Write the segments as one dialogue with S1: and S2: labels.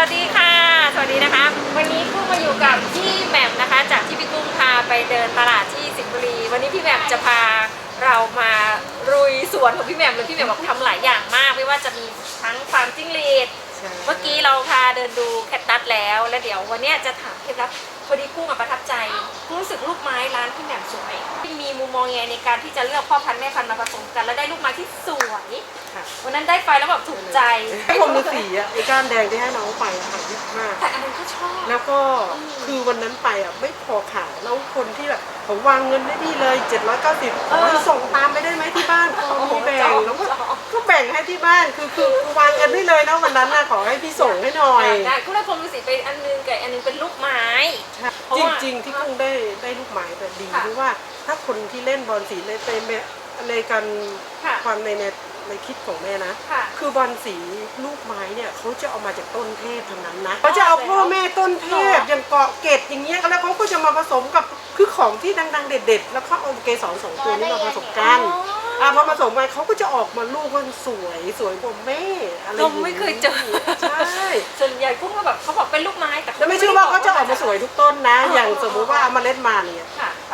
S1: วัสดีค่ะสวัสดีนะคะวันนี้กุ้งมาอยู่กับพี่แหม่มนะคะจากที่พี่กุ้งพาไปเดินตลาดที่สิงห์บุรีวันนี้พี่แหม่มจะพาเรามาลุยสวนของพี่แหม่มเลยพี่แหม่มบอกทำหลายอย่างมากไม่ว่าจะมีทั้งฟาร์มจิ้งหรีดเมื่อกี้เราพาเดินดูแคคตัสแล้วเดี๋ยววันนี้จะถามเคล็ดลับพอดีกุ้งประทับใจกุ้งรู้สึกลูกไม้ร้านพี่แหม่มสวยมีมุมมองยังไงในการที่จะเลือกพ่อพันธุ์แม่พันธุ์มาผสมกันแล้วได้ลูกไม้ที่สวยวันนั้นได้ไปแล้วแบบถูกใจ
S2: ไอ้พรมฤาษีอ่ะไอ้ก้านแดงที่ให้น้องไปอะค่ะยี่ห้า
S1: แต่อันนั้นก็ชอบ
S2: แล้วก็คือวันนั้นไปอ่ะไม่พอขายแล้วคนที่แบบผมวางเงินได้ดีเลย790ส่งตามไปได้ไหมที่บ้านมีแบ่งแล้วก็แบ่งให้ที่บ้านคือวางเงินได้เลยนะวันนั้นน่ะขอให้พี่ส่งให้หน่อย
S1: ได้คุณได้พรมฤาษีไปอันนึงกับอันนึงเป็นลูกไม้
S2: จริงๆที่กุ้งได้ลูกไม้แต่ดีเพราะว่าถ้าคนที่เล่นบอลสีในการความในคิดของแม่นะคือบอลสีลูกไม้เนี่ยเขาจะเอามาจากต้นเทพทั้งนั้นนะเขาจะเอาพ่อแม่ต้นเทพอย่างเกาะเกตอย่างเงี้ยแล้วเขาก็จะมาผสมกับคือของที่ดังๆเด็ดๆแล้วเขาเอาเกสร2ตัวนี้มาผสมกันพอผสมกันเขาก็จะออกมาลูกมันสวยกว่าแม่อะไรอย่างเงี้ย
S1: ไม่เคยเจอใช่ส่วนใหญ่กุ้งก็แบบเขาบอกเป็นลูกไม้
S2: แต่ไม่เชื่อว่าเขาจะออกมาสวยทุกต้นนะอย่างสมมติว่าเอามาเล่นมาเนี่ย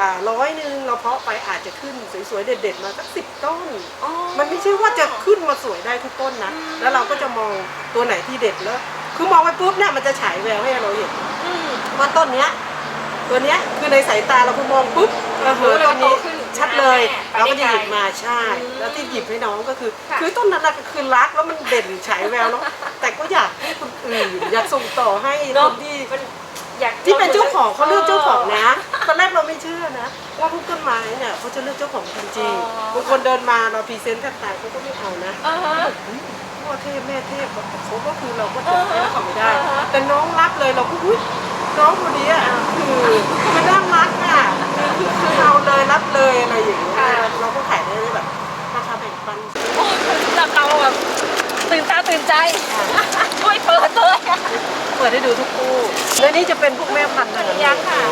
S2: 100เราเพาะไปอาจจะขึ้นสวยๆเด็ดๆมาสัก10 ต้นมันไม่ใช่ว่าจะขึ้นมาสวยได้ทุกต้นนะแล้วเราก็จะมองตัวไหนที่เด็ดแล้วคือมองไปปุ๊บเนี่ยมันจะฉายแววให้เราเห็นว่าต้นเนี้ยตัวเนี้ยคือในสายตาเราพอมองปุ๊บต้นนี้ชัดเลยเราก็จะหยิบมาใช่แล้วที่หยิบให้น้องก็คือต้นนั้นก็คือรักแล้วมันเด่นฉายแววเนาะแต่ก็อยากให้คนอื่นอยากส่งต่อให้คนที่เป็นเจ้าของเขาเลือกเจ้าของนะตอนแรกเราไม่เชื่อนะว่าทุกต้นไม้เนี่ยเขาจะเลือกเจ้าของจริงๆบางคนเดินมาเราพรีเซนต์แทบตายเขาก็ไม่เอานะพ่อเทพแม่เทพเขาก็คือเราก็จบแล้วเขาไม่ได้แต่น้องรักเลยเราก็น้องคนนี้อ่ะคือน่ารักอ่ะคือเอาเลยรับเลยอะไรอย่างเงี้ยเราก็ขายได้แบบราคาแบ่งปัน
S1: จากเราแบบตื่นตาตื่นใจช่วยเปิด
S2: ให้ดูทุกคู่แล้วนี่จะเป็นพวกแม่พันธุ์นะ
S1: ยังค่ะ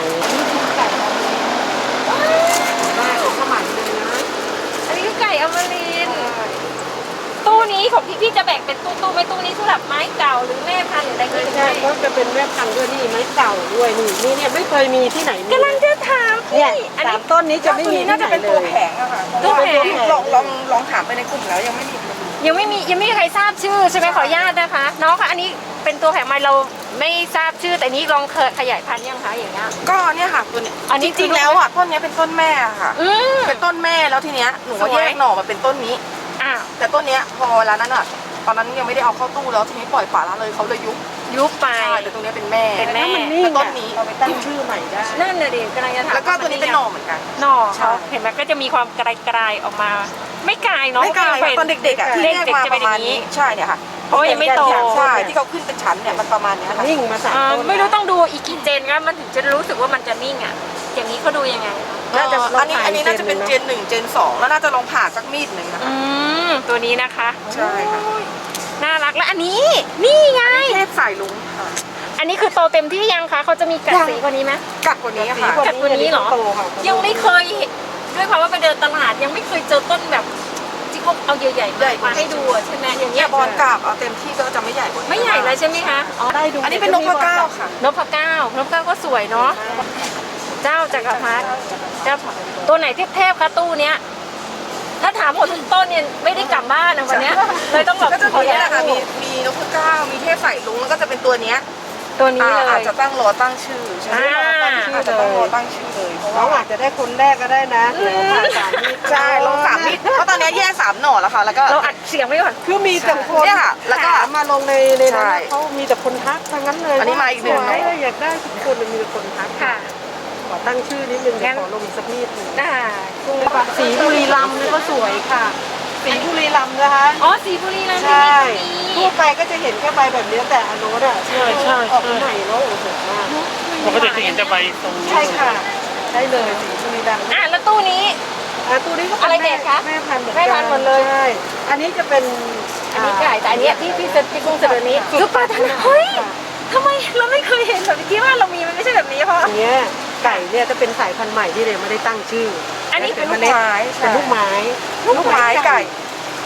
S2: แม่ของสมัยเลยนะ
S1: อันนี้คือไก่อมรินทร์ตู้นี้ของพี่จะแบ่งเป็นตู้ไม่ตู้นี้สำหรับไม้เก่าหรือแม่พันธุ์หรืออะไรก็
S2: ได้ก็จะเป็นแม่พันธุ์ด้วยนี่ไม้เก่าด้วยนี่เนี่ยไม่เคยมีที่ไหน
S1: กำลังจะถาม
S2: เนี่ย3 ต้นนี้จะไม่มี
S3: น่าจะเป็นตัวแผงอะค่ะ
S1: ตัวแผง
S3: ลองถามไปในกลุ่มแล้วยังไม่
S1: มีใครทราบชื่อใช่ไหมขออนุญาตนะคะน้องคะอันนี้เป็นตัวแผงไม้เราไม่ทราบชื่อแต่นี้ลองขยายพันธุ์ยังคะอย่างเงี้ย
S3: ก็เนี่ยค่ะตัวนี้จริงๆแล้วอ่ะต้นนี้เป็นต้นแม่ค่ะเป็นต้นแม่แล้วทีเนี้ยหนูแยกหน่อมาเป็นต้นนี้แต่ต้นเนี้ยพอเวลานั้นอ่ะตอนนั้นยังไม่ได้เอาเข้าตู้แล้วทีนี้ปล่อยป่าละเลยเขาเลยยุบ
S1: ไป
S3: แต่ตรงนี้เป็นแม่
S2: แต่ต้นนี้เราไปตั้งชื่อใหม่ได้
S1: นั่นน่ะดิกำลังจะถาม
S3: แล้วก็ตัวนี้เป็นหน่อเหมือนกัน
S1: หน่อเขาเห็นไหมก็จะมีความกลายออกมาไม่กลายเนาะ
S3: ไม่กลายตอนเด็กๆอ่ะที่แยกมาประมาณนี้ใช่เนี่ยค่ะ
S1: เพราะยังไม่โต
S3: ใช่ที่เขาขึ้นเป็นชั้นเนี่ยมันประมาณนี้ค่ะ
S2: นิ่งมา3 ต้น
S1: ไม่รู้ต้องดูอีกกี่เจนก็มันถึงจะรู้สึกว่ามันจะนิ่งอ่ะอย่างนี้เขาดูยังไง
S3: อันนี้น่าจะเป็นเจน1เจน2แล้วน่าจะลองผ่าสักมีดหนึ่งนะคะ
S1: ตัวนี้นะคะ
S3: ใช่ค่ะ
S1: น่ารักและอันนี้นี่ไง
S3: เทพสายลุงค่ะ
S1: อันนี้คือโตเต็มที่ยังคะเขาจะมีกัดสีกว่านี้ไหม
S3: กัดกว่านี้ค่ะ
S1: กัดกว่านี้เหรอยังไม่เคยด้วยความว่าไปเดินตลาดยังไม่เคยเจอต้นแบบที่เขาเอาใหญ่ๆมาให้ดูใช่ไหมอย่างเงี้ย
S3: บอลกาบเอาเต็มที่ก็จะไม่ใหญ่
S1: ไม่ใหญ่เลยใช่ไหมคะ
S2: ได้ดู
S1: อันนี้เป็นนพเก้าค่ะนพเก้าก็สวยเนาะเจ้าจักรพรรดิเจ้าตัวไหนเทพคะตู้เนี้ยถ้าถามหมดทุกต้นเนี่ยไม่ได้กลับบ้านนะวันนี้เลยต้องแบบ
S3: ก็จะมีนี่แหละค่ะมีนพเก้ามีเทพสายลุงแล้วก็จะเป็นตัวเนี้ย
S1: เลย
S3: อาจจะตั้งรอตั้งชื่อใช่ไหมอาจจะต้องรอตั้งชื่อเลยเพราะว่า
S2: อาจจะได้คนแรกก็ได้นะ
S3: ใช่ลง3 มิตรเพราะตอนนี้แยก3 หน่อแล้วค่ะแล้วก็
S1: เราอัดเสียงไว้ก่อน
S2: คือมีแต่คน
S3: เนี่ยค่ะแล้วก็
S2: มาลงในนั้นเขามีแต่คนทักทั้งนั้นเลย
S3: อันนี้มาอีกหนึ่ง
S2: อยากได้ทุกคนมีแต่คนทัก
S1: ค่ะ
S2: ขอตั้งชื่อนิดนึงขอลงสักนิดนึงสีบุรีรัมย์นี่ก็สวยค่ะสีบุรีรัมย์นะคะ
S1: สีบุรีรัมย์
S2: ใช่ทั่วไปก็จะเห็นแค่ใบแบบนี้แต่อันโน้ตอ่ะใช่ออกใหม่แล้วโอ้โหมาก
S4: ปกติจะเห็นแต่ใบตรงนี้
S2: ใช่ค่ะได้เลยสีบุรีรัมย์
S1: แล้วตู้นี้
S2: ก็
S1: อะไรเด็ดคะ
S2: แม่พันธุ์
S1: หมดเลย
S2: ใช่อันนี้จะเป็น
S1: อันนี้ไก่แต่อันนี้ที่กุ้งเสนอนี้ซุปเปอร์ทันเฮ้ยทำไมเราไม่เคยเห็นแบบที่ว่าเรามีมันไม่ใช่แบบนี้เพราะ
S2: อันนี้ไก่เนี่ยจะเป็นสายพันธุ์ใหม่ที่เราไม่ได้ตั้งชื่อ
S1: อันนี้เป็น
S2: ลูกไม้
S3: ไก่
S1: ลูกไม้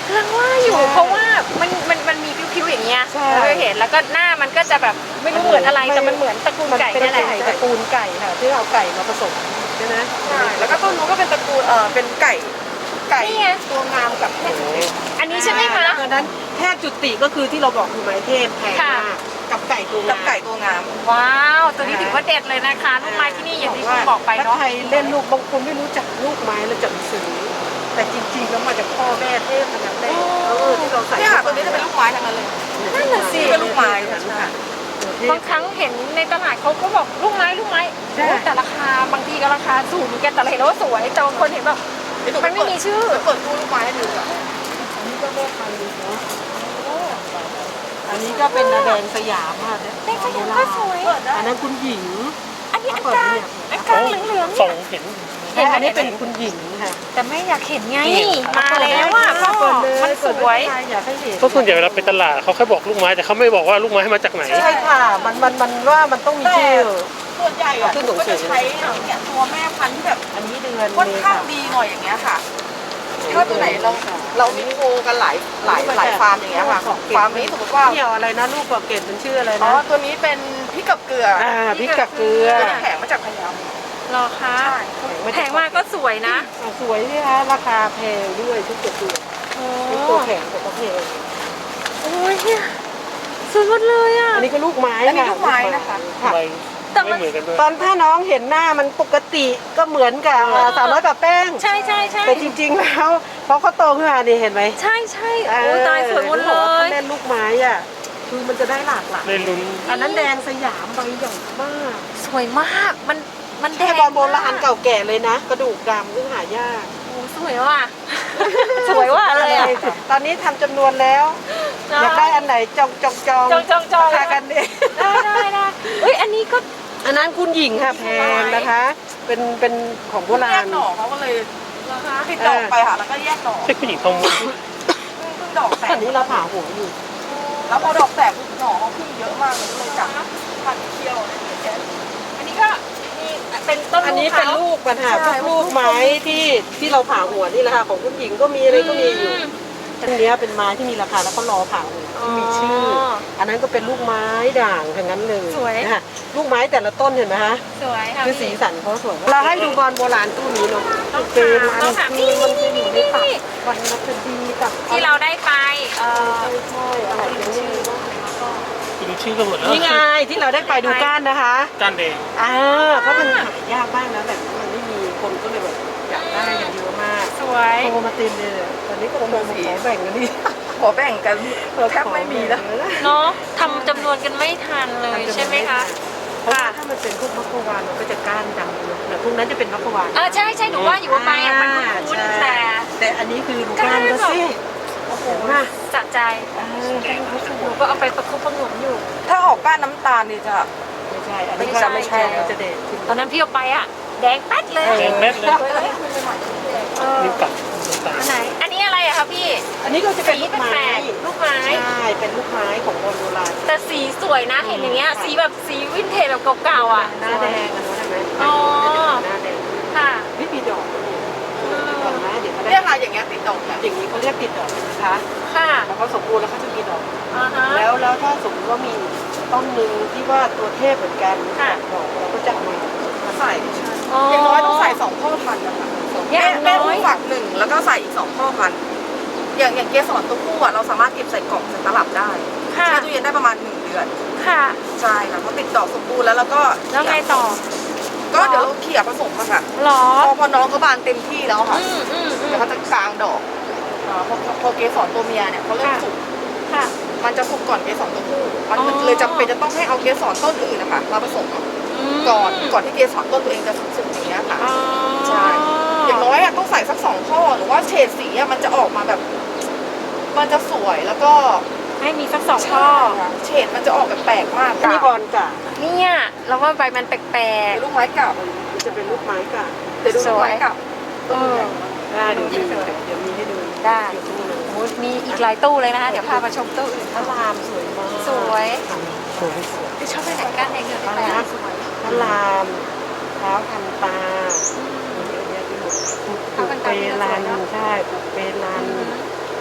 S1: กำลังว่าอยู่เพราะว่ามันมีผิวๆอย่างเงี้ย
S2: ใช่
S1: เราเห็นแล้วก็หน้ามันก็จะแบบไม่รู้เหมือนอะไรแต่มันเหมือนตระกูลไก่
S2: มัน
S1: นี่แห
S2: เป็
S1: ละ
S2: นไก่ตระกูลไก่ค่ะที่เอาไก่มาผสมใช่ไหม
S3: ใช่แล้วก็ต้นนู้นก็เป็นตระกูลเป็นไก่ตัวงามกับแพทย์จุติ
S1: อันนี้ใช่ไหมคะ
S2: ดังนั้นแพทย์จุติก็คือที่เราบอกคือไม้เทพแพง
S1: ค่ะ
S2: มากกับไก่ตัว
S3: กับ
S2: งาม
S3: ไก่ตัวงาม
S1: ว้าวตัวนี้ถือว่าเด็ดเลยนะคะลูกไม้ที่นี่อย่างที่คุณบอกไปเนาะ
S2: ถ้าใครเล่นลูกบางคนไม่รู้จักลูกไม้แล้วจะซื้อแต่จริงๆแล้วมาจากพ่อแม่เทพทั้งนั้นเลยที่เราใส่
S3: เนี่ยค่ะตัวนี้จะเป็นลูกไม้ทั้งนั้นเลย
S1: นั่นน่ะสิ
S3: เป็นลูกไม้
S2: ค่ะ
S1: บางครั้งเห็นในตลาดเขาก็บอกลูกไม้
S2: ใช่
S1: โอ้แต่ราคาบางทีก็ราคาสูงเหมือนกันแต่เราเห็นแล้วว่าสวยแต่บางคนเห็นแบบมันไม่มีชื่อ
S3: เปิดตู้ลูกไม้ให้ดูอ่ะ
S2: อันนี้ก็แม่พันธุ์ดีเนาะอันนี้ก็เป็นนาแดงสยามค่ะเนี่ย
S1: แดงสยามก็สวย
S2: อันนั้นคุณหญิง
S1: อันนี้อันกลางอันกลางเหลืองๆ
S4: ส่
S1: เนี่
S4: ง
S1: ย
S4: เห็น
S1: เห็นไหม
S2: อันนี้เป็นคุณหญิงค่ะ
S1: แต่ไม่อยากเห็นไง
S4: นี่
S1: มาแล้วอ่ะพ่อมันสวย
S2: อยากให้เห็น
S4: เพราะส่วนใหญ่เวลาไปตลาดเขาแค่บอกลูกไม้แต่เขาไม่บอกว่าลูกไม้มาจากไหน
S2: ใช่ค่ะมันว่ามันต้องมีชื่อ
S3: ส่วนใหญ่อ่ะ
S2: ขึ้นสูง
S3: ก็
S2: สุ
S3: จะ
S2: ด
S3: ใช้เนี่ยตัวแม่พันธุ์ที่แบบ
S2: อันนี้เดือน
S3: ค่อน
S2: เม
S3: ข้าง
S2: ษา
S3: ดีหน่อยอย่างเงี้ยค่ะ ถ้าตัวไหนเรามีโคกันหลายฟาร์มอย่างเงี้ยค่ะฟาร์มนี้สมมติว่า
S2: เกี่ยวอะไรนะลูกกว่าเกตมันชื่ออะไร
S3: อ๋อ
S2: นะ
S3: ตัวนี้เป็นพริกกับเกลือ
S2: พริกกับเกลือ
S3: ตัวนี้แข็งมาจากพะเยา
S1: รอคะ
S3: ใช่
S1: แพงมากก็สวยนะ
S2: สวยนี่คะราคาแพงด้วยทุกตัว
S1: โอ้
S2: ทุกตัวแข็งแต่ก็แพง
S1: โอ้ยเนี่ยสวยหมดเลยอ่ะ
S2: อันนี้ก็ลูกไม้
S3: อันนี้ลูกไม้นะคะ
S2: ค่ะ
S4: ใบ
S1: แต่มัน
S4: ไม่เหมือนกันด้วย
S2: ตอนถ้าน้องเห็นหน้ามันปกติก็เหมือนกับสาวน้อยกับแป้ง
S1: ใช่ใช่ใช่
S2: แต่จริงๆแล้วพอเขาโตขึ้นมานี่เห็นไหม
S1: ใช่ใช่โอ้ยตายสวยหมดเล
S2: ถ้าย เล่นลูกไม้อ่ะคือมันจะได้หลากหลาย
S4: ได้ลุ้น
S2: อันนั้นแดงสยามใบใหญ่มาก
S1: สวยมากมันแด
S2: แค่
S1: ง
S2: บอลโบราณเก่าแก่เลยนะ กระดูกดำซึ่งหายาก
S1: โอ้สวยว่ะ สวยว่ะเลยอ่ะ
S2: ตอนนี้ทำจำนวนแล้ว อยากได้อันไหนจอง
S1: จอง
S2: ราคากันดิ
S1: ได้เอ้ยอันนี้ก็
S2: อันนั้นคุณหญิงค่ะแพงนะคะ เป็นของโบรา
S3: แย
S2: ณ
S3: กหน่อเขาก็เลย
S1: นะคะ
S3: ติดดอกไปค่ะแล้วก็แยกหน่อ
S4: ใช่ผู้หญิงทองม้วน
S3: เพิ่งดอกแต
S2: ตอก นนี้เราผ่าหัวอยู่
S3: แล้วพอดอกแตกปุ๊บหน่อเขาขึ้นเยอะมากเลยก็เลยจับพันเคี่ยวอะไรอย่างเงี้ย
S1: อันนี้ก็มีเป็นต้น
S2: อันนี้
S1: ลูก
S2: เป็น
S1: เขา
S2: ลูกปัญหา
S3: ใช่
S2: พวกลูกไม้ที่เราผ่าหัวนี่แหละค่ะของคุณหญิงก็มีอะไรก็มีอยู่อันเนี้ยเป็นไม้ที่มีราคาแล้วก็รอผ่าหัวที่มีชื่อ อันนั้นก็เป็นลูกไม้ด่างทั้งนั้นเลยนะคะลูกไม้แต่ละต้นเห็นไหมคะ
S1: สวยค่ะ
S2: คือสีสันเขาสวยเราให้ดูบอลโบราณตู้นี้เนาะเป็นอัน
S1: ต้องถาม
S2: คือมันจะอยู่ในตับ
S1: นี่
S2: วันนัคดีกับ
S1: ที่เราได้ไป
S2: ใช่อะไรอย่างนี้
S4: ดูชื่อก็หมดแล้ว
S2: นี่ไงที่เราได้ไปดูก้านนะคะ
S4: ก้านแดง
S2: เพราะมันหายากมากนะแบบนี้มันไม่มีคนก็เลยแบบอยากได้กันเยอะมาก
S1: สวย
S2: โทรมาเต็มเลยเนี่ยตอนนี้ก็โทรมาขอแบ่งกันนี่
S3: ขอแบ่งกันแทบไม่มีแล้ว
S1: เนาะทำจำนวนกันไม่ทันเลยใช่ไหมคะ
S2: เพราะว่าถ้ามันเป็นพวกมัคควานมันก็จะก้านดำเลยแต่พวกนั้นจะเป็นมัคควาน
S1: ใช่ใช่หนูว่าอยู่ว่าไปอ่ะมันคุ้นๆแต่
S2: แต่อันนี้คือดูก้านก็สิโอ้โหมา
S1: สะใจ
S2: ก้านเขาส
S1: ห
S2: ว
S1: นู
S2: ย
S1: ก็เอาไปประคบประหงมอยู่
S3: ถ้าออกก้านน้ำตาลนี่จะ
S2: ไม่ใช่อันนี้
S3: ไม่ใช่
S2: จะเด็ดขึ้น
S1: ตอนนั้นพี่เอาไปอ่ะ แดงแป๊ดเลย
S4: แดงแม็ดเลยนิ้วกัดตา
S1: อันไหน อันนี้อะไรอะคะพี่
S2: อันนี้ก็จะเป็น
S1: สี
S2: ลูก
S1: แป
S2: ไม้
S1: ลกๆลูกไม้
S2: ใช่เป็นลูกไม้ของโบราณ
S1: แต่สีสวยนะเห็นอย่างเงี้ยสีแบบสีวินเทจแบบเก่าๆอ่ะ
S2: หน้าแดงอันนั้นใช่ไหม
S1: อ๋อ
S2: หน้าแดง
S1: ค่ะ
S2: ไม่มีดอกก่อนนะเดี๋ยวเขา
S3: เรีย
S2: ได้
S3: กอะไรอย่างเงี้ยติดดอกแบบ
S2: อย่างนี้เขาเรียกติดดอกนะคะ
S1: ค่ะ
S2: แล้วเขาสมบูรณ์แล้วเขาจะมีดอก
S1: อ่าฮะ
S2: แล้วถ้าสมมติว่ามีต้นหนึ่งที่ว่าตัวเทพเหมือนกัน
S1: ค่ะ
S2: ดอกเราก็จะเอามา
S3: ใส่อย่างน้อยต้องใส่2พ่อพันธุ์นะคะ
S1: อย่างน้
S3: แม่
S1: อ
S3: ผู้
S1: ย
S3: ฝักหนึ่งแล้วก็ใส่อีก2พ่อพันธุ์อย่างเกสรตัวผู้อะเราสามารถเก็บใส่กล่องใส่ตลับได้
S1: ค่ะ
S3: แช่ตู้เย็นได้ประมาณ1 เดือน
S1: ค่ะ
S3: ใช่ค่ะพอติดดอกสมบูรณ์แล้วก็
S1: แล้วไงต่อ
S3: ก็เดี๋ยวเราเขี่ยผสมอะค่ะ
S1: หรอ
S3: พอน้องเขาบานเต็มที่แล้วค่ะ
S1: อืม
S3: เดี๋ยวเขาจะกลางดอกพอเกสรตัวเมียเนี่ยเขาเริ่มสุก
S1: ค่ะ
S3: มันจะสุกก่อนเกสรตัวผู้มัน
S1: อ๋อ
S3: เลยจำเป็นจะต้องให้เอาเกสรต้นอื่นนะคะมาผสมก่อนที่เกสรต้นตัวเองจะสุกอย่างเงี้ยค่ะ
S1: อ๋อ
S3: ใช่ อย่างน้อยอะต้องใส่สัก2 ข้อหรือว่าเฉดสีอะมันจะออกมาแบบ มันจะสวยแล้วก็
S1: ให้มีสัก2ข้อ
S3: เฉดมันจะออกแบบแปลกมาก
S2: อันนี้บอลกะ
S1: เนี่ยเราว่าใบมันแปลก
S3: เป็นลูกไม้เก่า
S2: มันจะเป็นลูกไม้กะ
S3: แต่ดูลูกไม้เก่า
S1: ๆเออ
S2: ได้เดี๋ยวมีให้ดู
S1: ได้
S2: อยู่ตู้นึง
S1: โอ้มีอีกหลายตู้เลยนะคะ เดี๋ยวพามาชมตู้อื่น
S2: พระรามสวยมาก
S1: สวย
S2: สวยสวย
S1: ที่ชอบไปไหนกันแดงเงินไปไหนสวย
S2: พระรามเท้าทันตาเยอะแยะไปหมดปุกเปรันใช่ปุกเปรัน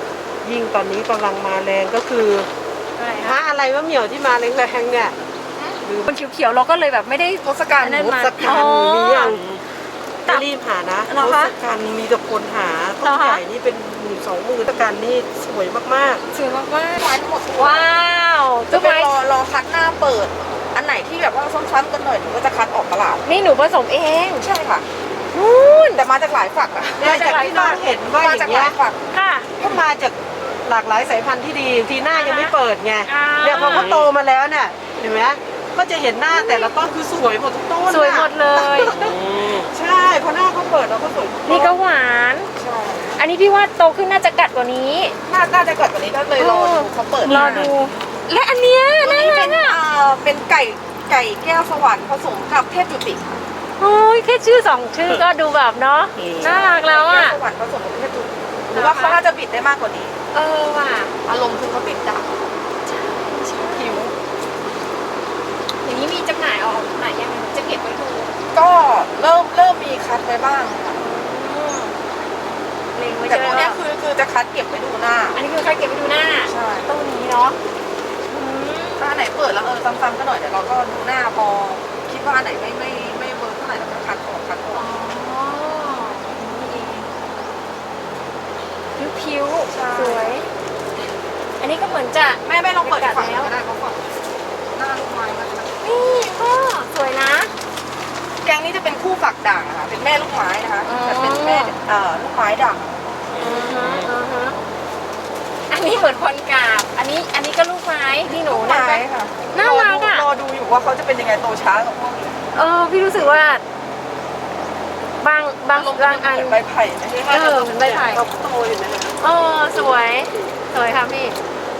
S2: ยิ่งตอนนี้กำลังมาแรงก็คือ
S1: อะไร
S2: พระ
S1: คะ
S2: อะไรวะเหมียวที่มาแรงๆเนี่ยลืม
S1: คนเขียวๆเราก็เลยแบบไม่ได้
S3: ทศกัณฐ์
S1: นั่น
S2: ท
S1: มา
S2: ศกัณฐ์มีอย่าง
S1: ตับ
S2: รีบหานะ
S1: เหรอ
S2: ท
S1: คะ
S2: ศกัณฐ์มีแต่คนหาต้
S1: เหร
S2: น
S1: อคะ
S2: ใหญ่นี่เป็น10,000-20,000ทศกัณฐ์นี่สวยมาก
S1: สวยมาก
S3: ไม้ทั้งหมด
S1: ๆว้าว
S3: จะ
S1: ทุก
S3: เป็น
S1: ไม้
S3: รอคัดหน้าเปิด อันไหนที่แบบว่าซ้ำๆกันหน่อยหนูก็จะคัดออกตลาด
S1: นี่หนูผสมเอง
S3: ใช่ค่ะ
S1: นู่น
S3: แต่มาจากหลายฝักอะ
S2: ๆเนี่ยจากที่น้องเห็นว่า
S3: มา
S2: อ
S3: จาก
S2: ย่าง
S3: ห
S2: เงี้
S3: ลาย ยฝัก
S1: ค่ะ
S2: ก็มาจากหลากหลายสายพันธุ์ที่ดีทีหน้ายังไม่เปิดไง
S1: อ่า
S2: เนี่ยพอเขาโตมาแล้วเนี่ยเห็นไหมก็จะเห็นหน้าแต่ละต้นคือสวยหมดทุกต้น
S1: สวยหมดเลย
S2: ใช่พอหน้าเขาเปิดเราก็สวยทุกต้น
S1: นี่ก็หวาน
S3: ใช่
S1: อันนี้พี่ว่าโตขึ้นน่าจะกัดกว่านี้
S3: น่าจะกดกว่านี้ก็เลยรอดูเขาเปิด
S1: รอดู และอันเนี้ย
S3: ตัว
S1: น่า
S3: นี้
S1: รั
S3: เป็
S1: ก
S3: น
S1: อ่ะ
S3: เป็นไก่แก้วสวรรค์ผสมกับเทพจุติค่ะ
S1: โอ้ยแค่ชื่อ2ชื่อก็ดูแบบเนาะน่ารักแล้วอ่ะ
S3: ไก่ก้สวรรค์ผสมกับเทพจุติหรือว่าเขาน่าจะบิดได้มากกว่านี้
S1: เออว่ะ
S3: อารมณ์คือเขาติดดาบผิว
S1: อย่างนี้มีจำหน่ายออกไหนยังไงจะเก็บไว้ดู
S3: ก็เริ่มมีคัดไว้บ้างค่ะ
S1: เล็งไว้
S3: แต่
S1: ใช่
S3: พ
S1: ไหม
S3: วกเนี้ยคือจะคัดเก็บไว้ดูหน้า
S1: อันนี้คือใครเก็บไว้ดูหน้า
S3: ใช่
S1: ตู้นี้เนาะอืม
S3: ถ้าอันไหนเปิดแล้วซ้ำๆก็หน่อยเดี๋ยวเราก็ดูหน้าพอคิดว่าอันไหนไม่เวิร์กเท่าไหร่เราก็คัดออก
S1: อ๋อนี่เองผิว
S3: ใช่
S1: ๆสวย อันนี้ก็เหมือนจะ
S3: แม่ลองเปิดอีกฝั่งหนึ่งก็ได้เพราะฝั่งหน้าลูกไม้มัน
S1: นี่ก็สวยนะ
S3: แกงนี้จะเป็นคู่ฝักด่างนะคะเป็นแม่ลูกไม้นะคะ
S1: อ๋อ
S3: แต่เป็นแม่ลูกไม้ด่าง
S1: อันนี้เหมือนพรกาบ อันนี้ก็ลูกไม้ที่หนู
S3: ลูก
S1: นะ
S3: ไม้ค่ะ
S1: น่ารักอ่ะ
S3: รอดูอยู่ว่าเขาจะเป็นยังไงโตช้ากับพวกนี้
S1: พี่รู้สึกว่าบางอัน
S3: เหมือนใบไผ่ไหม
S1: เหมือนใบไผ่
S2: เราโตอยู่นะ
S1: สวย สวยค่ะพี่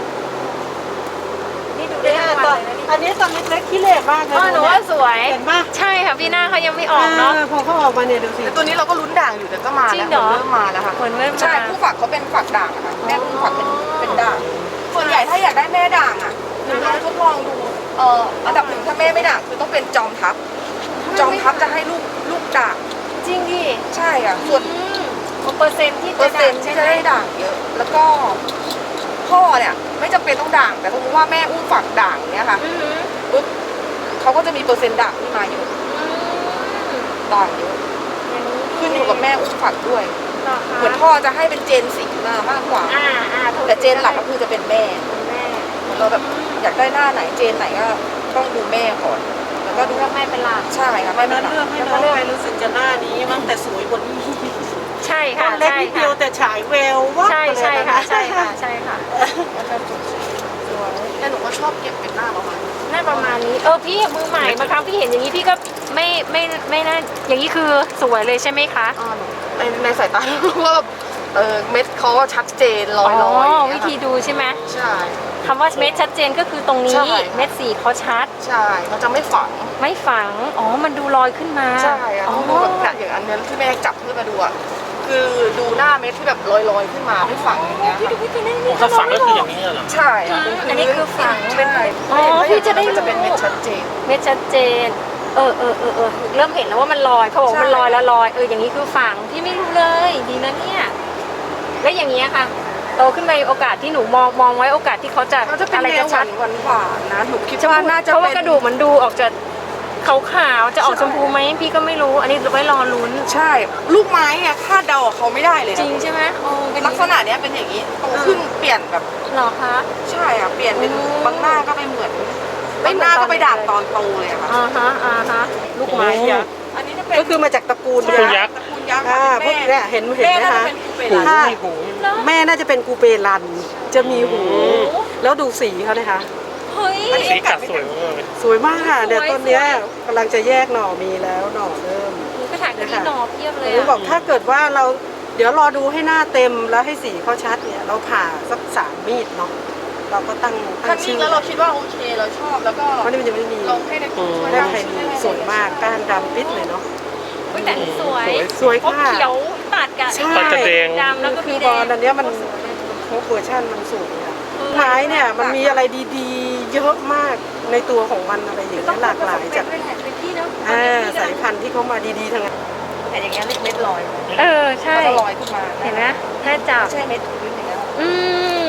S1: นี่ดูได้
S2: เนี่ย
S1: ทั้ง
S2: ต
S1: วั
S2: อน
S1: นเลยนะนี่
S2: อันนี้ตอนเล็กๆขี้เหร่มากเลย
S1: หนูว่าสวย
S2: เห็นปะ
S1: ใช่ค่ะพี่หน้าเขายังไม่ออกเนาะ
S2: พอเขาออกมาเนี่ยดูสิ
S3: แต่ตัวนี้เราก็ลุ้นด่างอยู่แต่ก็มา
S1: จริ
S3: แล้ว
S1: งเหรอ
S3: เริ่มมาแล้วค่ะ
S1: เหมือนเมื่อ
S3: ใช่
S1: มา
S3: คู่ฝักเขาเป็นฝักด่างนะคะแม่คู่ฝักเป็นด่างส่วนใหญ่ถ้าอยากได้แม่ด่างอ่ะหนูลองทดลองดูอันดับหนึ่งถ้าแม่ไม่ด่างคือต้องเป็นจอมทัพจอมทัพจะให้ลูกด่าง
S1: จริงดิ
S3: ใช่อ่ะส่วน
S1: เปอร์เซ็นต์ที่
S3: เปอร์เซ็นต์ที่จะได้ด่างเยอะ แล้วก็พ่อเนี่ยไม่จำเป็นต้องด่าง แต่สมมติว่าแม่อุ้มฝักด่างเนี้ยค่ะปุ๊บเขาก็จะมีเปอร์เซ็นต์ด่างที่มาเยอะด่างเยอะขึ้นอยู่กับแม่อุ้มฝักด้วย เหมือนพ่อจะให้เป็นเจนสีมากกว่า แต่เจนหลักก็คือจะเป็นแม่เหมือนเราแบบอยากได้หน้าไหนเจนไหนก็ต้องดูแม่ก่อน แล้วก็ดู
S1: เลือกไม่เป็นหลัก
S3: ใช่ค่ะแม่เป็นหลัก
S2: เลือกให้น้องไปรู้สึกจะหน้านี้มั้งแต่สวยกว่านี้
S1: ใช่
S2: ตอ
S1: ค่ะ
S2: นเล็ก
S1: ใช่
S2: นิดเดี
S1: ค่ะ
S2: ยวแต่ฉายแววว่า
S1: ใช่ใช่ค่ะใช่ค่ะใช่ค่ะ
S3: แล้วก็จุดสีสวยแต่หนูก็ชอบเก็บเป็นหน้าประมาณนี้
S1: น่าประมาณนี้พี่มือใหม่บางครั้งพี่เห็นอย่างนี้พี่ก็ไม่น่าอย่างนี้คือสวยเลยใช่ไหมคะ
S3: ในสายตาว่าเม็ดเขาก็ชัดเจนลอยๆ
S1: วิธีดูใช่ไหม
S3: ใช่
S1: คำว่าเม็ดชัดเจนก็คือตรงนี้
S3: ใช่
S1: เม็ดสีเขาชัด
S3: ใช่เขาจะไม่ฝัง
S1: ไม่ฝังมันดูลอยขึ้นมา
S3: ใช่อะต้องดูแบบเนี่ยอย่างอันนี้ที่แม่จับขึ้นมาดูอะคือดูหน้าเม็ดที่แบบลอยๆขึ้นมาไม่ฝังอย่างเงี้ย
S1: พี่ดูพี่ตัวนี้นี่
S4: ถ้าฝังก็คืออย่างนี้เหรอ
S3: ใช่อะ
S1: อันนี้คือฝัง
S3: เป็น
S1: พี่จะได้
S3: จะเป็นเม็ดชัดเจน
S1: เม็ดชัดเจนเริ่มเห็นแล้วว่ามันลอยเขาบอกว่ามันลอยแล้วลอยอย่างนี้คือฝังพี่ไม่รู้เลยดีนะเนี่ยแล้วอย่างเงี้ยค่ะโตขึ้นไปโอกาสที่หนูมองไว้โอกาสที่เขาจะ
S3: เขาจะเป็น
S1: อะไร
S3: แน
S1: จะ
S3: วห
S1: ชั
S3: วา
S1: ด
S3: นหวานๆนะหนูคิดว่าน่าจะ
S1: เพราะว่า
S3: เป็น
S1: กระดูกมันดูออกจะขาวๆจะออกชมพูไหมพี่ก็ไม่รู้อันนี้ไว้รอลุ้น
S3: ใช่ ลูกไม้อะคาดเดาเขาไม่ได้เลยนะ
S1: จริงใช่ไหมเป็น
S3: ลักษณะเนี้ยเป็นอย่างนี้โตขึ้นเปลี่ยนแบบ
S1: หรอคะ
S3: ใช่อ่ะเปลี่ยนเป็น
S1: อืม
S3: บางหน้าก็ไม่เหมือน
S1: ไม่
S3: บาง
S1: เหมื
S3: ห
S1: อน
S3: น้า
S1: ตอน
S3: ก็ไปด่าง
S1: เด็ก
S3: ตอนโตเลยอะค่ะ
S1: ฮะลูกไม้ยักษ์
S3: อันนี้จะเป็น
S2: ก็คือมาจากตระกูล
S4: ตระกูลยักษ์
S3: ตระกูลยักษ์
S2: พวกเนี่ยเห็นไหม
S3: แม่น่า
S2: คะ
S3: จะเป็นกูเป
S4: หู
S3: รัน
S4: มีหู
S2: แม่น่าจะเป็นกูเปรันจะมีหู แล้วดูสีเขานะคะ
S1: เฮ้ย
S4: สีกัดสวยมากเลย
S2: สวยมากค่ะเดี๋ยว
S1: สวย
S2: ต้นเนี้ยกำลังจะแยกหน่อมีแล้วหน่อเริ่ม
S1: หนูก็ถ่ายกับพี่หนอเพียบเลย
S2: หนูบอกถ้าเกิดว่าเราเดี๋ยวรอดูให้หน้าเต็มแล้วให้สีเขาชัดเนี่ยเราผ่าสัก3 มีดเนาะเราก็ตั้ง
S3: ถ้านิ่งแล้วเราคิดว่าโอเคเราชอบแล้วก็
S2: เพราะนี่มันจะไม่มี
S3: ลองให้ในกลุ่มช่วย
S2: แม่
S3: ทำ
S2: ไทยดีสวยมากก้านดำปิดเลยเนาะ
S1: แต่สวย
S2: สวย
S1: เพราะ
S2: ค่ะ
S1: เขียวตัดกับ
S2: ใช่
S4: ตัดกระเดง
S1: ดำแล้วก็
S2: คื
S1: มี
S2: อ
S1: แด
S2: บอง ลอันเนี้ยมันครบเวอร์ชันมันสวยอะไม้เนี่ยมันมีอะไรดีๆ เยอะมากในตัวของมันอะไรอย่างเงี้ยหลากหลายจาก
S1: เป็นที่เนาะ
S2: สายพันธุ์ที่เขามาดีๆทั้งนั้น
S3: แต่อย่างเงี้ยเม็ดลอย
S1: ใช่
S3: แล้วก็ลอยขึ้นมา
S1: เห็นไหมแม่จับ
S3: ไม่ใช่เม็ดพื้นอย่างเงี้ย
S1: อืม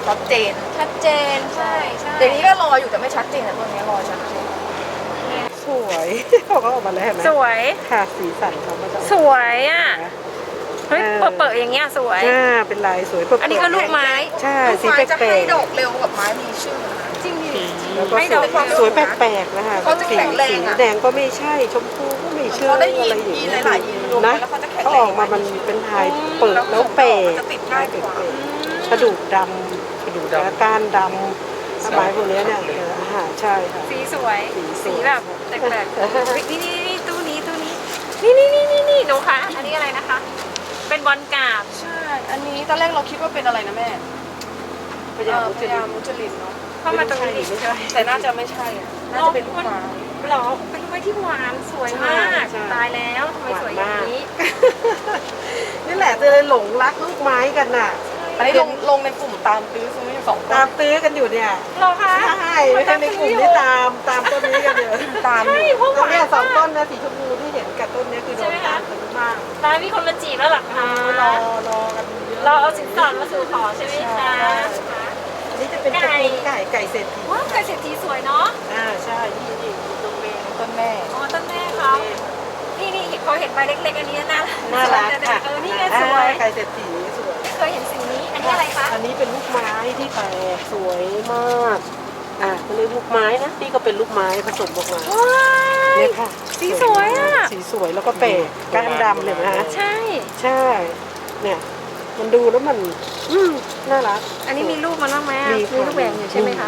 S3: ชัดเจน
S1: ชัดเจนใช่ใช่
S3: เดี๋ยวนี้ก็รออยู่แต่ไม่ชัดเจนนะตัวนี้รอชัดเจน
S2: สวยเขาก็ออกมาแล้วเห็นไหม
S1: สวย
S2: ค่ะสีสันเขาก็จะ
S1: สวยอ่ะเฮ้ยเปิดๆอย่างเงี้ยสวย
S2: เป็นลายสวยเปิดๆ
S1: อันนี้ก็ลูกไม้
S2: ใช่
S3: ลูก
S2: สี
S3: ไม้
S2: แป
S3: จะ
S2: ล
S3: ให้
S2: ก
S3: ดอกเร็วกับไม้มีชื่อนะคะ
S1: จริงดิ
S2: ๆแล้วก็
S1: ให้
S2: ส
S1: ดอ
S2: ว
S1: ก
S2: ยสวยแปลกๆนะคะ
S3: เขาจะแข็งแรงอะ
S2: สีแดงก็ไม่ใช่ชมพูก็ไม่ใช่
S3: เขาได้ยี
S2: อะไร
S3: น
S2: อย่าง
S3: ยีน
S2: เงี้ย
S3: หลายๆยีนรวมกั
S2: นะ
S3: นแล้วเขาจะแข็ง
S2: เขา
S3: แร
S2: อง อกมามันเป็นลายเปิดแล้วแปลก
S3: จะติดง่ายกว่า
S2: กระดูกดำกระดูกและก้านดำสมัยพวกเนี้ยเนี่ยใช่ค่ะ
S1: สีสวย
S2: สีสวย
S1: สีแบบแปลกๆนี่ตู้นี้นี่หนูคะอันนี้อะไรนะคะ เป็นบอลกราบ
S3: ใช่ อันนี้ตอนแรกเราคิดว่าเป็นอะไรนะแม่
S2: พยายาม
S3: พยายามมุจลินเนาะ
S1: เข้ามาตรงนี้ดิ
S2: ไม่ใช่
S3: แต่น่าจะไม่ใช่อะน่าจะเป็นลูกไม้
S1: หรอเป็นลูกไม้ที่หวานสวยมาก
S2: ใช่
S1: ตายแล้วทำไมสวยอย่างนี้
S2: นี่แหละจะเลยหลงรักลูกไม้กันน่ะ
S3: อันนี้ลงในกลุ่มตามตื้อซื้ออยู่2
S2: ตามตื้อกันอยู่เนี่ย
S1: หรอคะ
S2: ใช่ไม่ใช่ในกลุ่มที่ตามต้นนี้กันอยู่
S3: ตาม
S1: ใช่พวกห
S2: ต้น
S1: วาน
S2: เนี้ยสอง
S1: มา
S2: ต้
S1: ก
S2: นนะสีชมพูที่เห็นกับต้นเนี้ยคือโดนตามกันมาก
S1: ตายมีคนมาจีบแล้วหรอคะ
S2: รอกันเยอะ
S1: เราเอาสินสอดมาสู่ขอใช่ไหมคะ
S2: อันนี้จะเป็นตระกูลไก่เศรษฐี
S1: ว้าวไก่เศรษฐีสวยเนาะ
S2: ใช่นี่ตรงเบง
S3: ต้นแม่
S1: อ๋อต้นแม่เขานี่พอเห็นใบเล็กๆอันนี้น่ารัก
S2: ค่ะ
S1: นี่ไงสวย
S2: ไก่เศรษฐีสวย
S1: เคยเห็นสีนี้อันนี้อะไรคะ
S2: อันนี้เป็นลูกไม้ที่แปลกสวยมากก็เลยลูกไม้นะนี่ก็เป็นลูกไม้ผสมออกมา
S1: ว้าย
S2: เนี่ยค่ะ
S1: สีสวยอ่ะ
S2: สีสวยแล้วก็แปลกก้านดำเลยนะ
S1: ใช่
S2: ใช่ เนี่ยมันดูแล้วมันน่ารัก
S1: อันนี้มีลูกมาบ้างไหมอะมีลูกแหวงอยู่ใช่ไหมคะ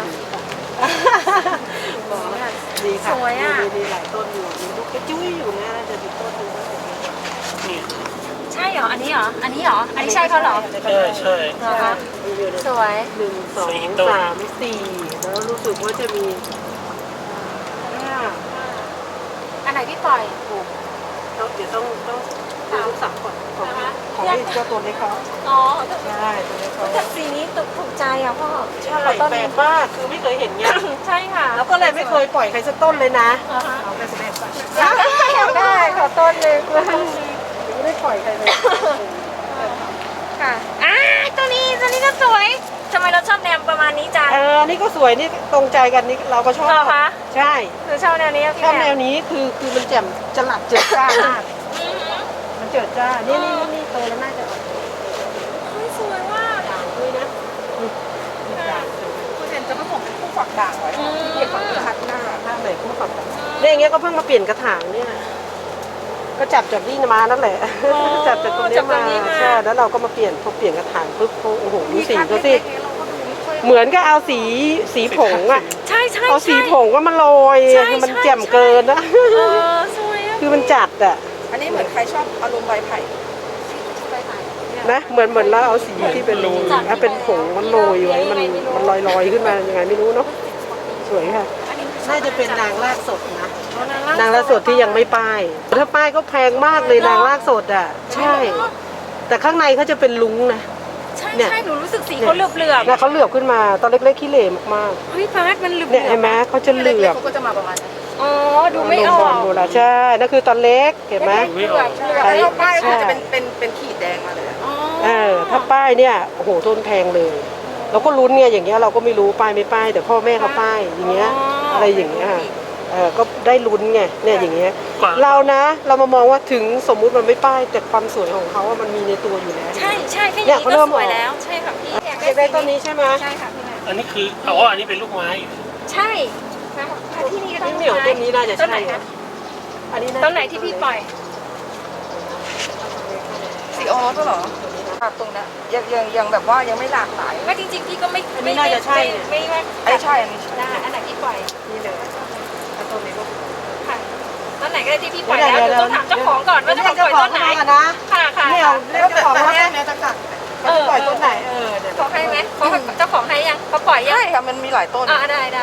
S2: ดีค่ะ
S1: สวยอะ
S2: มีหลายต้นอยู่มีลูกกระจุ้ยอยู่นะจะมีต้นหนึงนะ
S4: นี่
S1: ใช่เหรอ อันนี้เหรอ อันนี้เหรอ อันนี้ใช่เขาเหรอ
S4: ใช่ใช่
S1: เหรอคะ
S2: มีอยู่ใน
S1: สวย
S2: หนึ่งสอง
S4: สี่ต้น
S2: สามสี่แล้วรู้สึกว่าจะมีห้า
S1: อันไหนพี่ปล่อย
S2: หกเดี๋ยวต้องดูลูกสาวก่อนของ
S1: นะคะ
S2: ของนี่เจ้าตัวนี้เขา
S1: อ๋อ
S2: ใช่ตัวนี้เขา
S1: แต่สีนี้ถูกใจอ่ะพ่อ
S2: ใช่แปลกมากคือไม่เคยเห็นเงี้ย
S1: ใช่ค่ะ
S2: แล้วก็เลยไม่เคยปล่อยใครสักต้นเลยนะ
S1: เหรอคะ
S2: เอาไปสำเร็จไป
S1: อยากได้ขอต้นหนึ่ง
S2: ไม่ได้ปล่อยใครเลย
S1: ค่ะตัวนี้ก็สวยทำไมเราชอบแนวประมาณนี้จัง
S2: นี่ก็สวยนี่ตรงใจกันนี่เราก็ชอบ
S1: เหรอคะ
S2: ใช่
S1: หนูชอบแนวนี้ะพี่
S2: ชอบแน
S1: ม่
S2: วนี้คือมันแจ่มจะหลับเจิดจ้ามาก
S1: อือหือ
S2: มันเจิดจ้านี่โตแล้วน่าจะออก
S1: เฮ้ยสวยมาก
S2: ด่างด้วยนะด่าง
S3: คุณเซนจะผสมเป็นคู่ฝักด่างไว้ค่ะที่เก็บฝักคัดหน้า
S2: ข้างไหนคู่ฝักด่างเนี่ยอย่างเงี้ยก็เพิ่งมาเปลี่ยนกระถางเนี่ยก็จับจากนี่มานั่นแหละจับจากตรงนี้มาใช่แล้วเราก็มาเปลี่ยนพอเปลี่ยนกระถางปุ๊บโอ้โหดูสีเขาสิ
S3: เราก็ดูไม่ค่อย
S2: เหมือนก็เอาสีผงอะ
S1: ใช่ใช่
S2: เอาสีผงก็มาโรย
S1: ใช่
S2: คือมัน
S1: ใช่
S2: แจ่มเกินนะ
S1: สวยอะ
S2: คือมันจัดอะ
S3: อันนี้เหมือนใครชอบอารมณ์ใบไผ่
S2: นะเหมืมือนเราเอาสีที่เป็นเป็นผงมันโรยไว้มันลอยขึ้นมายังไงไม่รู้เนาะสวยค่ะน่าจะเป็นนางรากสดนะนางรากสดที่ยังไม่ป้ายถ้าป้ายก็แพงมากเลยนางรากสดอ่ะใช่ แต่ข้างในเขาจะเป็นลุ้งนะ
S1: ใช่
S2: เนี่ย
S1: ใช่หนูรู้สึกสีเขาเหลือบ
S2: นะเขาเหลือบขึ้นมาตอนเล็กๆขี้เหร่มาก
S1: ๆเฮ้ยพาร์ทมันเหลือบ
S2: ๆเนี่ยเห็นไหมเขาจะเหลื
S3: เล็
S2: อก บ
S3: ๆเขาก็จะมาประมาณนี้
S1: อ๋อดูไม่ออก
S2: ดูละใช่นั่นคือตอนเล็กเห็นไหม
S1: เหลือบ
S2: ใช่
S3: แล้วป้ายก็จะเป็นขีดแดงมาเลย
S1: อ๋อ
S2: ถ้าป้ายเนี่ยโอ้โหต้นแพงเลยเราก็ลุ้นเนี่ยอย่างเงี้ยเราก็ไม่รู้ป้ายไม่ป้ายแต่พ่อแม่เขาป้ายอย่างเงี้ยอะไรอย่างเงี้ยค่ะก็ได้ลุ้นไงเนี่ยอย่างเงี้ย
S4: กว่า
S2: เรานะเรามามองว่าถึงสมมุติมันไม่ป้ายแต่ความสวยของเขาอะมันมีในตัวอยู่แล้ว
S1: ใช่ใช่แค่
S2: เนี่
S1: นี้
S2: ยเขา
S1: ก็
S2: เริ่ม
S1: สวย
S2: ออก
S1: แล้วใช่ค่ะพี่
S2: อยากได้ต้นนี้ใช่ไหม
S1: ใช่ค่ะพี่แม่
S4: อันนี้คืออันนี้เป็นลูกไม้
S1: ใช่ที่นี่ก็ต้
S2: นี่
S1: น
S2: เหนียวต้นนี้น่าจะ
S1: ต้นไหน
S2: ใช่
S1: คะ
S2: อันนี้
S1: ต้นไหนที่พี่ปล่อย
S3: สีออสเหรอตรงนี้ยังแบบว่ายังไม่หลากหลาย
S1: ไม่จริงๆพี่ก็ไม่ไม่ว่า
S3: อันนี้ใช่
S1: ได้อันไหนที่ปล่อย
S2: นี่เลยแล้วต้นนี้ก็
S1: ค่ะต้นไหนก็ได้ที่พี่ปล่อยแล้วเดี๋ยวต้องถามเจ้าของก่อนว่าเจ้าของปล่อยต้นไหน
S2: นะ
S1: ค่ะค่ะ
S2: ไม่เอาเจ้าของว่าต้นไหนจะกัดเขาจะปล่อยต้นไหนเดี๋ยว
S1: ขอให้ไหมเขาเจ้าของให้ยังเขาปล่อยยัง
S3: ใช่ค่ะมันมีหลายต้น
S1: ได้ห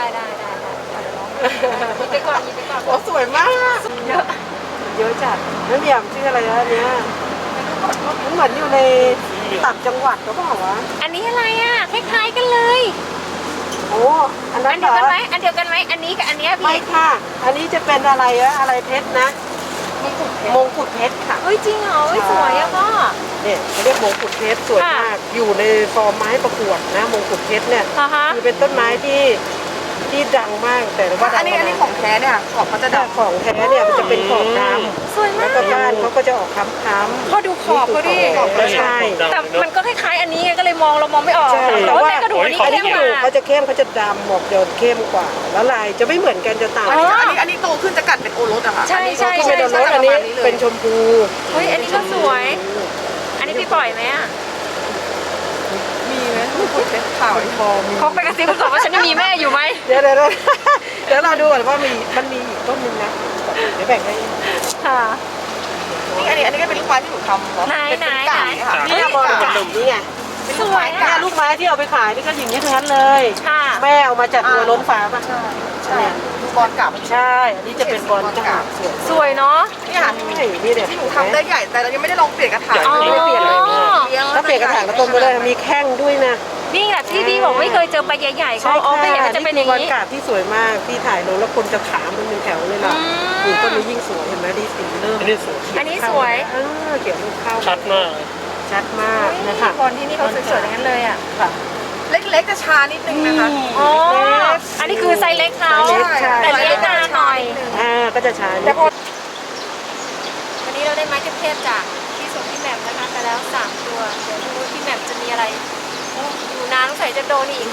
S1: ยิบไปก่อนหยิบไปก่อน
S2: โอ้สวยมากเยอะจัดแล้วเนี่ยชื่ออะไรนะอันเนี้ยมันเหมือนอยู่ในต่างจังหวัดก็บอกว่า
S1: อันนี้อะไรอ่ะคล้ายๆกันเลย
S2: โอ้อันนั้
S1: อั
S2: น
S1: น
S2: เหร
S1: เดียว
S2: อ
S1: กันไหมอันเดียวกันไหมอันนี้กับอันเนี้ย
S2: ไม่
S1: พี่
S2: ค่ะ อันนี้จะเป็นอะไรอะอะไรเพชรนะมงกุฎเพชรค่ะ
S1: เฮ้ยจริงเหรอเฮ้ยสวยอะพ่อ
S2: เนี่ยเขาเรียกมงกุฎเพชรสวยมากอยู่ในฟอร์มไม้ประกวดนะมงกุฎเพชรเนี่ย
S1: อ่าฮะ
S2: คือเป็นต้นไม้ที่ดังมากแต่ว่า
S3: อันนี้ของแท้เนี่ยขอบเขาจะ
S2: แต่
S3: ดำ
S2: ของแท้เนี่ยมันจะเป็นขอบดำ
S1: สวย
S2: แล้
S1: มาว ก
S2: ก็บ้านเขาก็จะออกค้ำๆ
S1: พอดูขอบเขาดิ
S2: ขอบก็ใช่
S1: แต่มันก็คล้ายๆอันนี้ไงก็เลยเรามองไม่ออก
S2: ใช่
S1: แต่ว่าเป็นกระดูกอันนี้
S2: อัน
S1: เข้
S2: นี้
S1: ม
S2: กระ
S1: ก
S2: ดูก
S1: ว่า
S2: เขาจะเข้มเขาจะดำหมอกจะเข้มกว่าแล้วลายจะไม่เหมือนกันจะต่าง
S1: อ๋อ
S3: อันนี้โตขึ้นจะกัดเป็นโอรสอะค่ะ
S1: ใช่ใช่
S2: ที่เป็นโดนรสอันนี้เป็นชมพู
S1: เฮ้ยอันนี้ก็สวย อันนี้พี่ปล่อยไหมอ่ะ
S3: มีไหมมงกุฎเพชรขาว
S2: พอมี
S1: เขาไปกระซิบบอกว่าฉันมีแม่อยู่ไหม
S2: เดี๋ยวเราดูก่อนว่ามันมีอีกต้นนึงนะเดี๋ยวแบ่งให้
S1: ค่ะ
S3: นี่อันนี้ก็เป็นลูกไม้ที่หนูทำเนาะ
S1: ไหน
S3: เป็น
S1: ไหน
S3: กาบ
S1: ไหน
S3: ค่ะ
S2: นี่บอลกานี่ไง
S3: เป็นลูกไม้กา
S2: เนี่ย
S3: บ
S2: ลูกไม้ที่เอาไปขายนี่ก็อย่างนี้ทั้งนั้นเลย
S1: ค่ะ
S2: แม่เอามาจากตัวล้นฟ้าป่ะ
S3: ใช่ลูกบอลกาบ
S2: ใช่ อันนี้จะเป็นบอลกาบสวย
S1: สวยเนาะ
S3: นี่ค่ะ
S2: ใช่นี่เนี่ย
S3: ที่หนูทำได้ใหญ่แต่เรายังไม่ได้ลองเปลี่ยนกระถาง
S1: อ๋อ
S2: ไม่เปลี่ยนอะไรถ้าเปลี่ยนกระถางก็ต้นก็ได้มีแข้งด้วยนะ
S1: นี่แหละที่พี่บอกไม่เคยเจอใบใหญ่ๆเขาอ๋อไม่เห็นมันจะเป็นอย่าง
S2: บอล
S1: นี้
S2: กาบที่สวยมากที่ถ่ายลงแล้วคนจะถามมันเป็นแถวเลยล่ะ
S1: อืม
S2: นี่ต้นนี้ยิ่งสวยเห็นไหมดีสีเริ่ม
S4: อันนี้สวย
S1: อันนี้สวย
S2: เขียวลูกเข้า
S4: ชัดมาก
S2: ชัดมากนะคะ
S1: คนที่นี่เขาสวยๆอย่างนั้นเลยอ่ะ
S2: ค่ะ
S3: เล็กๆจะช้านิดนึงนะคะ
S1: อ๋อ อันนี้คือไซส์เล็กเขา
S2: ไซส์เล็กใช่
S1: แต่เลี้ยงนานหน่อย
S2: ก็จะช้า
S1: แต่พอวันนี้เราได้ไม้เทพๆจากที่สวนพี่แหม่มนะคะไปแล้ว3ตัวเดี๋ยวดูว่าพี่แหม่มจะมีอะไรโอ้อยู่นานสงสัยจะโดนอีก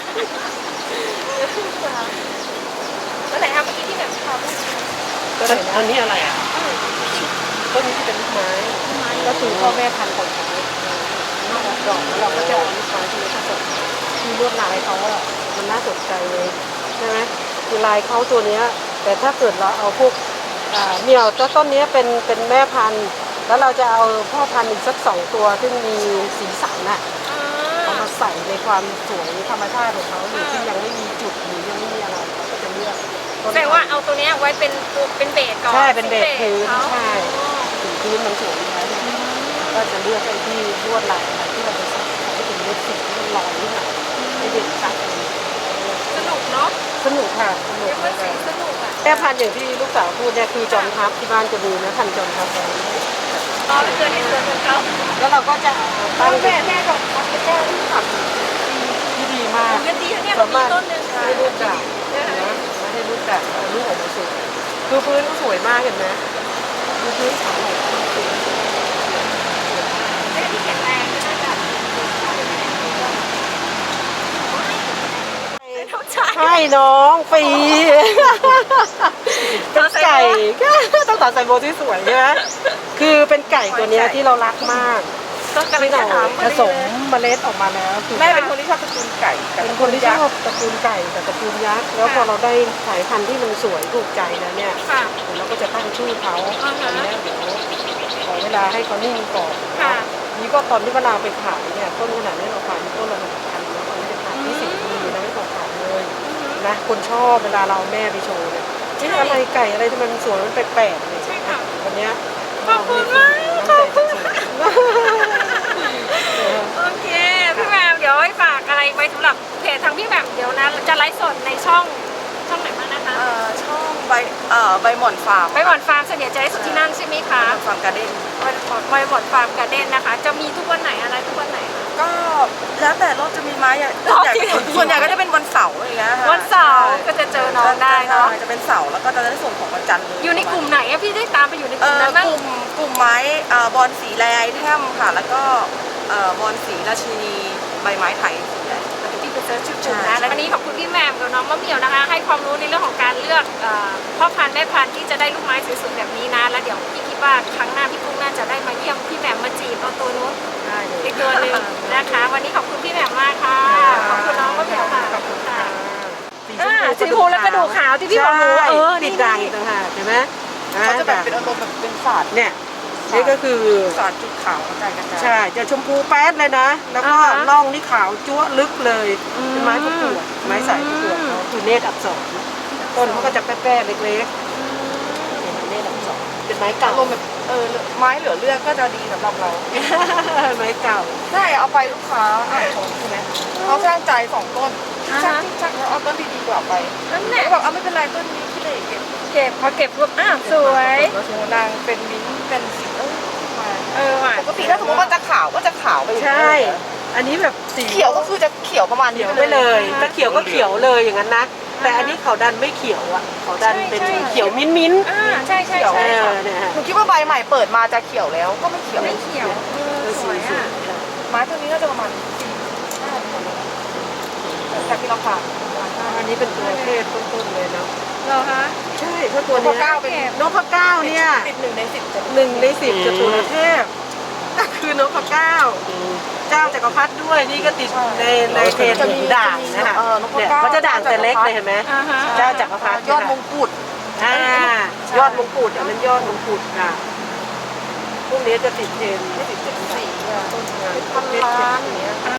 S1: แล้วไหนครับเมื่อกี้พี่แหม่มทำ
S2: ก็เลย
S4: อันนี้อะไรอ่ะ
S2: ต้นนี้จะเป็นลูกไม้ ก็คือพ่อแม่พันธุ์ของเขาดอกแล้วเราก็จะเอาลูกไม้ที่นี้ผสมคือลวดลายเขาอะมันน่าสนใจเลยใช่ไหมคือลายเขาตัวเนี้ยแต่ถ้าเกิดเราเอาพวกเหมี่ยวต้นนี้เป็นแม่พันธุ์แล้วเราจะเอาพ่อพันธุ์อีกสัก2 ตัวซึ่งมีสีสันน่ะเอามาใส่ในความสวยธรรมชาติของเขาอยู่ที่ยังไม่มีจุดหรือยังไม่มีอะไรเราก็จะเลือกต้น
S1: แต่ว่าเอาตัวเนี้ยไว้เป็นเบสก่อน
S2: ใช่เป็นเบสพื้น
S1: เขา
S2: ใช่ถึงพื้นมันสวยอยู่แล้วเนี่ยก็จะเลือกไอ้ที่ลวดลายอะไรที่เราจะใส่ให้เป็นเม็ดสีที่มันลอยขึ้นมาให้เด่นชัดอะไรอย่างเงี้ย
S1: สนุกเนาะ
S2: สนุกค่ะสนุก
S1: เรียกว่าสีสนุกอ่ะ
S2: แม่พันธุ์อย่างที่ลูกสาวพูดเนี่ยคือจอมทัพที่บ้านจะมีนะพันธุ์จอมทัพไว้
S1: รอไปเจอที่สวนของเขา
S2: แล้วเราก็จะตั้ง
S1: แม่บอกว่าเป็นแก้วที่ขับ
S2: ที่ดีมาก
S1: เงินดีนะเนี่ยเรามีต้นหนึ่งค่ะ
S2: ให้ลูกกาบนะให้ลูกกาบเอาลูกออกมาสวยคือพื้นก็สวยมากเห็นไหมคือพื้นขาวสวย
S1: ไม่ได้ที่แข็งแรงนะจ๊ะ
S2: ใช่น้องฟรีเป็นไก่ต้องตัดใส่โบที่สวยใช่ไหมคือเป็นไก่ตัวเนี้ยที่เรารักมาก
S1: ก็กำลัง
S2: ที่
S1: จะ
S2: เรา
S1: ถาม
S2: ผสมเมล็ดออกมาแล้วคือ
S3: แม่เป็นคนที่ชอบตระกูลไก่
S2: เป็นคนที่ชอบตระกูลไก่กับตระกูลยักษ์แล้วพอเราได้สายพันธุ์ที่มันสวยถูกใจแล้วเนี่ย
S1: ค่ะ
S2: เดี๋ยวเราก็จะตั้งชื่อเขา
S1: อ่าฮะ
S2: อันเนี้ยเดี๋ยวขอเวลาให้เขานิ่งก่อน
S1: ค่ะ
S2: นี่ก็ตอนที่เวลาไปขายเนี่ยต้นขนาดนี้เราขายต้นละ1,000แล้วตอนนี้จะขายที่10 ปีนะไม่ตกขายเลยนะคนชอบเวลาเราเอาแม่ไปโชว์เนี่ยนี่อะไรไก่อะไรที่มันสวยมันแปลกๆเลย
S1: ใช่ค่ะ
S2: วันเนี้ย
S1: ขอบคุณมากขอบคุณมากโอเคพี่แหม่มเดี๋ยวให้ฝากอะไรไว้สำหรับเพจทางพี่แหม่มเดี๋ยวนะจะไลฟ์สดในช่องไหนบ้างนะคะ
S3: ช่องใบหม่อนฟาร์ม
S1: ไปหมอนฟาร์มเสนียจะได้สุดที่นั่นใช่ไหมคะ
S3: ฟาร์มการ์เด้น
S1: ไปหมอนฟาร์มการ์เด้นนะคะ จะมีทุกวันไหนอะไรทุกวันไหนคะ
S3: ก็แล้วแต่รถจะมีไม้อะ
S1: อ๋อจริง
S3: ส่วนใหญ่ก็จะเป็นวันเสาร์อย่างเงี้ยค่ะ
S1: วันเสาร์ก็จะเจอน้องได้เนาะ
S3: จะเป็นเสาร์แล้วก็จะได้ส่งของวันจันทร์เลย
S1: อยู่ในกลุ่มไหนอะพี่ได้ตามไปอยู่ในกลุ่มนั้นบ้าง
S3: กลุ่มไม้บอลสีแลไอเทมค่ะ แล้วก็บอลสีราชินีใบไม้ไทยสีแดง
S1: พี่ไปเซิร์ชชื่อกลุ่มนะ
S3: ใช่
S1: แล้ววันนี้ขอบคุณพี่แหม่มกับน้องมะเหมี่ยวนะคะ ให้ความรู้ในเรื่องของการเลือกพ่อพันธุ์แม่พันธุ์ที่จะได้ลูกไม้สวยๆแบบนี้นะ แล้วเดี๋ยวพี่คิดว่าครั้งหน้าพี่กุ้งน่าจะได้มาเยี่ยมพี่แหม่มมาจีบเอาตัวนู้น
S2: ได้เลย
S1: อีกตัวหนึ่งนะคะ วันนี้ขอบคุณพี่แหม่มมากค่ะ ขอบคุณน้องมะเหมี่ยวค่ะ
S2: ขอบคุณค่ะ
S1: สีชมพูและกระดูกขาวที่พี่บอกหนู
S2: ใช่
S1: นี่
S2: ติดด่างอีกต่างหากเห็นไหม
S3: เขาจะแบบเป็นอารมณ์แบบเป็นศาสตร์
S2: เนี่ยนี่ก็คือ
S3: ศาสตร์จุดขาวกระจายกระจาย
S2: ใช่จะชมพูแป๊ดเลยนะ แล้วก็ร่องนี่ขาวจั๊วะลึกเลยเป็นไม้ประกวดไม้สายประกวดเขาคือเนตรอักษรต้นเขาก็จะแป๊ดๆเล็กๆเป็นเนตรอักษรเป็นไม้เก่า
S3: อารมณ์แบบไม้เหลือเลือกก็จะดีสำหรับเรา
S2: ไม้เก่า
S3: ใช่เอาไปลูกค้าอ่านชมใช่ไหมเขาช่างใจ2 ต้นช่างแล้วเอาต้นดีๆกว่าไป
S1: นั่นแห
S3: แล้
S1: ละ
S3: วบอกเอาไม่เป็นไรต้นนี้ที่เลยเก็บ
S1: เก็บพอเก็บปุ๊บอ้าวสวย
S3: นางเป็นมิ้นท์เป็นสีมา
S1: ว่ะ
S3: ปกติถ้าสมมติว่าจะขาวก็จะขาวไปอย่าง
S2: ใช่
S3: นี้เลยนะ
S2: อันนี้แบบสี
S3: เขียวก็คือจะเขียวประมาณนี้
S2: เขียวไปเลยจะเขียวก็เขียวเลยอย่างนั้นนะแต่อันนี้เขาดันไม่เขียวอ่ะเขาดันเป็นเขียวมิ้นมิ้น
S1: ใช่ใช่
S2: เขียว
S1: ใช่
S2: เนี่ยฮะ
S3: หนูคิดว่าใบใหม่เปิดมาจะเขียวแล้วก็ไม่เขียว
S1: ไม่เขียวสวยอ่ะ
S3: ไม้ตัวนี้น่าจะประมาณจากที่เราผ่าน
S2: อันนี้เป็นตัวเทศต้นๆเลยเนาะ
S1: เหรอคะ
S2: ใช่เพราะตัว
S3: พ
S2: นี้
S3: อก้าวเป็น
S2: นพเก้าเนี่ย
S3: ติด1 ใน 10จะ
S2: 1 ใน 10จะตุลเทพคือนพเก้าเจ้าจักรพรรดิด้วยนี่ก็ติดในเทรนด่างนะคะเนี่ยเขาจะด่างแต่เล็กเลยเห็นไหมเจ้าจักรพรรดิ
S3: ยอดมงกุฎ
S2: ยอดมงกุฎอันนั้นยอดมงกุฎค่ะพวกนี้จะติดเทรน
S3: ไม่ติด74
S2: ต้น
S3: พันล้านอย่างเงี้ย